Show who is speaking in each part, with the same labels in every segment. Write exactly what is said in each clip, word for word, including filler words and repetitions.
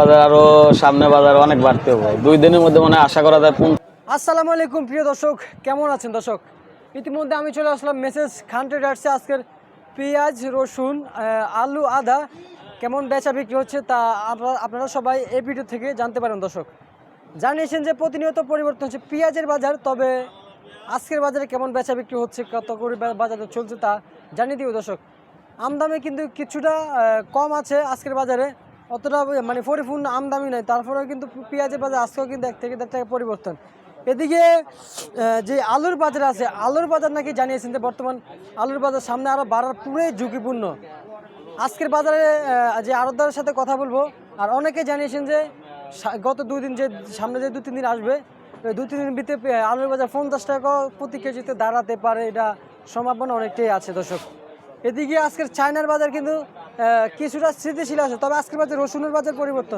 Speaker 1: বাজার আরো সামনে বাজার অনেক বাড়তে হবে দুই দিনের মধ্যে মনে আশা করা যায়।
Speaker 2: আসসালামু আলাইকুম প্রিয় দর্শক, কেমন আছেন দর্শক? ইতিমধ্যে আমি চলে আসলাম মেসেজ খান ট্রেডার্সে। আজকের পেঁয়াজ, রসুন, আলু, আদা কেমন বেচা বিক্রি হচ্ছে তা আপনারা সবাই এই ভিডিও থেকে জানতে পারেন। দর্শক জানিয়েছেন যে প্রতিনিয়ত পরিবর্তন হচ্ছে পেঁয়াজের বাজার, তবে আজকের বাজারে কেমন বেচা বিক্রি হচ্ছে, কত করে বাজারে চলছে তা জানিয়ে দিব। দর্শক আমদামি কিন্তু কিছুটা কম আছে আজকের বাজারে, অতটা মানে পরিপূর্ণ আমদামি নয়, তারপরেও কিন্তু পেঁয়াজের বাজার আজকেও কিন্তু এক থেকে দেড় টাকা পরিবর্তন। এদিকে যে আলুর বাজার আছে, আলুর বাজার নাকি জানিয়েছেন যে বর্তমান আলুর বাজার সামনে আরও বাড়ার পুরোই ঝুঁকিপূর্ণ। আজকের বাজারে যে আড়তদারের সাথে কথা বলবো, আর অনেকে জানিয়েছেন যে গত দুই দিন যে সামনে যে দু তিন দিন আসবে, ওই দু তিন দিন ভিতরে আলুর বাজার পঞ্চাশ টাকা প্রতি কেজিতে দাঁড়াতে পারে, এটা সম্ভাবনা অনেকটাই আছে। দর্শক এদিকে আজকের চায়নার বাজার কিন্তু কিছুটা স্থিতিশীল আছে, তবে আজকের বাজার রসুনের বাজার পরিবর্তন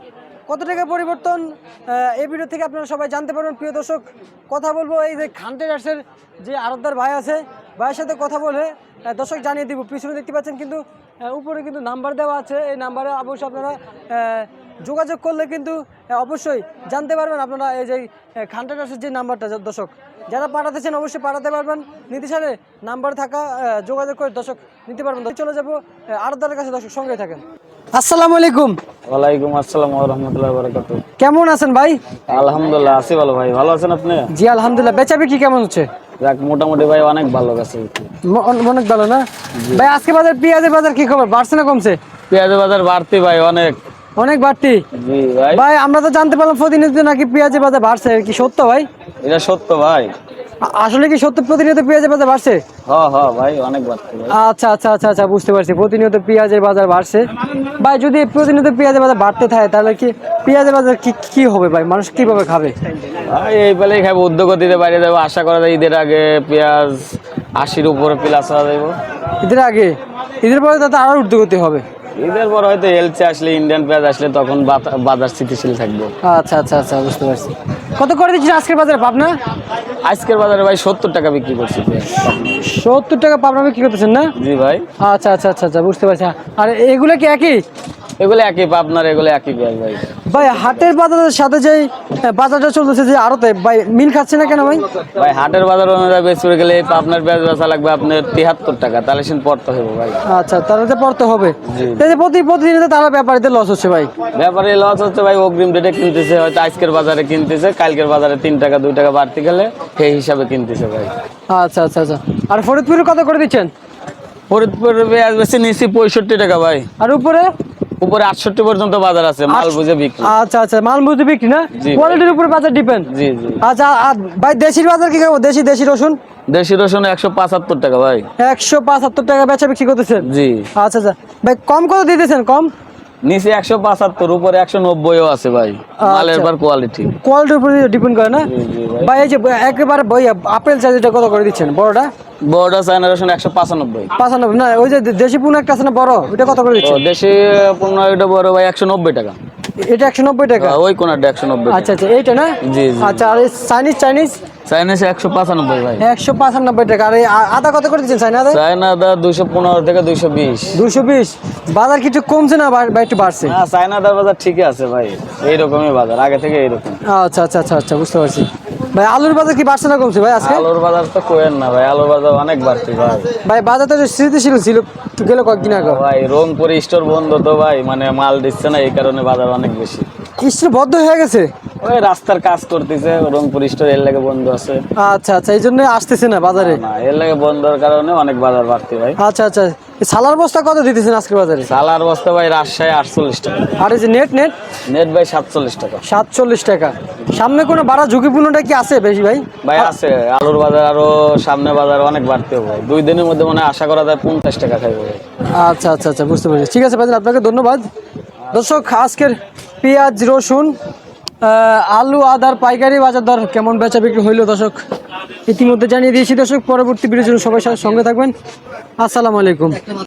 Speaker 2: কত টাকা পরিবর্তন এই ভিডিও থেকে আপনারা সবাই জানতে পারবেন। প্রিয় দর্শক কথা বলবো এই যে খান ট্রেডার্সের যে আড়তদার ভাই আছে, ভাইয়ের সাথে কথা বলে দর্শক জানিয়ে দিব। পিছনে দেখতে পাচ্ছেন কিন্তু উপরে কিন্তু নাম্বার দেওয়া আছে, এই নাম্বারে অবশ্যই আপনারা যোগাযোগ করলে কিন্তু অবশ্যই জানতে পারবেন আপনারা এই যে খান ট্রেডার্সের যে নাম্বারটা। দর্শক যারা পাঠাতেছেন অবশ্যই পাঠাতে পারবেন, নিতে সারে নাম্বার থাকা যোগাযোগ করে দর্শক নিতে পারবেন। চলে যাবো আড়তদারের কাছে, দর্শক সঙ্গে থাকেন। আসসালামু আলাইকুম।
Speaker 1: ওয়ালাইকুম আসসালাম ওয়া রাহমাতুল্লাহি ওয়া বারাকাতুহু।
Speaker 2: কেমন আছেন ভাই?
Speaker 1: আলহামদুলিল্লাহ আছি ভালো ভাই, ভালো আছেন আপনি?
Speaker 2: জি আলহামদুলিল্লাহ। বেচা বিক্রি কেমন হচ্ছে?
Speaker 1: যাক মোটামুটি ভাই অনেক ভালো গেছে,
Speaker 2: অনেক ভালো না ভাই? আজকে বাজার পেঁয়াজের বাজার কি খবর, বাড়ছে না কমছে?
Speaker 1: পেঁয়াজের বাজার বাড়তি ভাই, অনেক
Speaker 2: অনেক বাড়তি।
Speaker 1: জি ভাই।
Speaker 2: ভাই আমরা তো জানতে পারলাম প্রতিনিয়ত নাকি পেঁয়াজের বাজার বাড়ছে, কি সত্য ভাই?
Speaker 1: এটা সত্য ভাই।
Speaker 2: আসলে কি সত্য প্রতিনিয়ত পেঁয়াজের বাজার বাড়ছে?
Speaker 1: হ্যাঁ হ্যাঁ ভাই অনেক বাড়ছে।
Speaker 2: আচ্ছা আচ্ছা আচ্ছা আচ্ছা বুঝতে পারছি, প্রতিনিয়ত পেঁয়াজের বাজার বাড়ছে। ভাই যদি প্রতিনিয়ত পেঁয়াজের বাজার বাড়তে থাকে তাহলে কি পেঁয়াজের বাজার কি কি হবে ভাই, মানুষ কিভাবে খাবে?
Speaker 1: ভাই এই বেলায় খাবে, উদ্যোগ দিতে বাইরে যাবো, আশা করা যায় ঈদের আগে পেঁয়াজ আশির উপরে প্লাস হওয়া যাবো।
Speaker 2: ঈদের আগে? ঈদের পরে তাতে আরো ঊর্ধ্বগতি হবে।
Speaker 1: ঈদের পর হয়তো এলচে আসলে, ইন্ডিয়ান পেঁয়াজ আসলে তখন বাজার স্থিতিশীল থাকবে।
Speaker 2: আচ্ছা আচ্ছা আচ্ছা বুঝতে পারছি। কত করে দিচ্ছেন আজকের বাজারে পাবনা?
Speaker 1: আজকের বাজারে ভাই সত্তর টাকা বিক্রি করছি।
Speaker 2: সত্তর টাকা পাবনা বিক্রি করতেছেন না?
Speaker 1: জি ভাই।
Speaker 2: আচ্ছা আচ্ছা আচ্ছা আচ্ছা বুঝতে পারছি। আর এগুলো কি একই?
Speaker 1: এগুলো একই পাবনার, এগুলো একই পেঁয়াজ ভাই।
Speaker 2: ভাই হাটের বাজারের সাথে যে বাজারটা চলতেছে যে আড়তে, ভাই মিল খাচ্ছে না কেন ভাই?
Speaker 1: ভাই হাটের বাজার অনুযায়ী বেশি করে গেলে পাবনার পেঁয়াজ বেচা লাগবে আপনার তিয়াত্তর টাকা, তাহলে সেন পড়তে হবে ভাই।
Speaker 2: আচ্ছা তাহলে তো পড়তে হবে। প্রতি প্রতিদিন তারা ব্যাপারীতে লস হচ্ছে ভাই।
Speaker 1: ব্যাপারী লস হচ্ছে ভাই, অগ্রিম রেটে কিনতেছে, হয়তো আজকের বাজারে কিনতেছে, কালকের বাজারে তিন টাকা দুই টাকা বাড়তি গেলে সেই হিসাবে কিনতেছে ভাই।
Speaker 2: আচ্ছা আচ্ছা আচ্ছা। আর ফরিদপুরে কত করে দিচ্ছেন?
Speaker 1: ফরিদপুরের পেঁয়াজ বেশি নিচ্ছি পঁয়ষট্টি টাকা ভাই।
Speaker 2: আর উপরে?
Speaker 1: উপরে আটষট্টি পর্যন্ত বাজার আছে, মাল বুঝে বিক্রি।
Speaker 2: আচ্ছা আচ্ছা মাল বুঝে বিক্রি না, কোয়ালিটির উপর বাজার ডিপেন্ড।
Speaker 1: জি জি।
Speaker 2: আচ্ছা ভাই দেশির বাজার কি খাবো? দেশি দেশি রসুন?
Speaker 1: দেশি রসুন একশো পঁচাত্তর টাকা ভাই।
Speaker 2: একশো পঁচাত্তর টাকা বেচা বিক্রি করতেছেন?
Speaker 1: জি।
Speaker 2: আচ্ছা আচ্ছা ভাই কম কত দিতেছেন? কম
Speaker 1: নিচে একশো পঁচাত্তর, উপরে একশো নব্বইও আছে ভাই। মালের পর কোয়ালিটি,
Speaker 2: কোয়ালিটির উপর ডিপেন্ড করে না ভাই? এই যে একেবারে বই আপেল চার্জিটা কত করে দিচ্ছেন বড়টা?
Speaker 1: বড়টা চায়না রসুন একশো পঁচানব্বই।
Speaker 2: পঁচানব্বই না, ওই যে দেশি পূর্ণ একটা আছে না বড়, ওইটা কত করে দিচ্ছেন?
Speaker 1: দেশি পূর্ণ ওইটা বড় ভাই একশো নব্বই টাকা।
Speaker 2: এটা একশো নব্বই টাকা?
Speaker 1: ওই কোনটা একশো নব্বই।
Speaker 2: আচ্ছা আচ্ছা এইটা না?
Speaker 1: জি জি।
Speaker 2: আচ্ছা আর চাইনিজ? চাইনিজ
Speaker 1: চাইনিজ একশো পঁচানব্বই ভাই।
Speaker 2: একশো পঁচানব্বই টাকা। আর আদা কত করে দিচ্ছেন চাইনা আদা?
Speaker 1: চায়না আদা দুইশো পনেরো থেকে দুইশো বিশ।
Speaker 2: দুইশো বিশ। বাজার কিছু কমছে না বা একটু বাড়ছে?
Speaker 1: না চায়না আদার বাজার ঠিকই আছে ভাই, এইরকমই বাজার আগে থেকে এইরকম।
Speaker 2: আচ্ছা আচ্ছা আচ্ছা আচ্ছা বুঝতে পারছি। ভাই আলুর বাজার কি বাড়ছে না কমছে ভাই আজকে?
Speaker 1: আলুর বাজার তো কোয়েন না ভাই, আলুর বাজার অনেক বাড়তি ভাই।
Speaker 2: ভাই বাজার তো স্থিতিশীল ছিল গেল কয়েকদিন আগে
Speaker 1: ভাই, রংপুর স্টোর বন্ধ তো ভাই, মানে মাল দিচ্ছে না, এই কারণে বাজার অনেক বেশি।
Speaker 2: স্টোর বদ্ধ হয়ে গেছে?
Speaker 1: ওই রাস্তার কাজ করতেছে রংপুর স্টোর, এর লাগে বন্ধ আছে।
Speaker 2: আচ্ছা আচ্ছা এই জন্য আসতেছে না বাজারে?
Speaker 1: না এর লাগে বন্ধের কারণে অনেক বাজার বাড়তি ভাই।
Speaker 2: আচ্ছা আচ্ছা। সালার বস্তা কত দিতেছেন আজকের বাজারে?
Speaker 1: সালার বস্তা ভাই রাজশাহী আটচল্লিশ টাকা।
Speaker 2: আর এই যে নেট নেট?
Speaker 1: নেট ভাই সাতচল্লিশ টাকা।
Speaker 2: সাতচল্লিশ টাকা। সামনে কোনো বাড়া ঝুঁকিপূর্ণটা কি আছে বেশি ভাই?
Speaker 1: ভাই আছে, আলুর বাজার আরো সামনে বাজার অনেক বাড়তে হবে, দুই দিনের মধ্যে মনে আশা করা যায় পঞ্চাশ টাকা খাইবে ভাই।
Speaker 2: আচ্ছা আচ্ছা আচ্ছা বুঝতে পারছি। ঠিক আছে ভাই, আপনাকে ধন্যবাদ। দর্শক আজকের পেঁয়াজ, রসুন, আলু, আদার পাইকারি বাজার দর কেমন বেচা বিক্রি হইলো দর্শক ইতিমধ্যে জানিয়ে দিয়েছি। দর্শক পরবর্তী ভিডিওর জন্য সবাই সঙ্গে থাকবেন। আসসালামু আলাইকুম।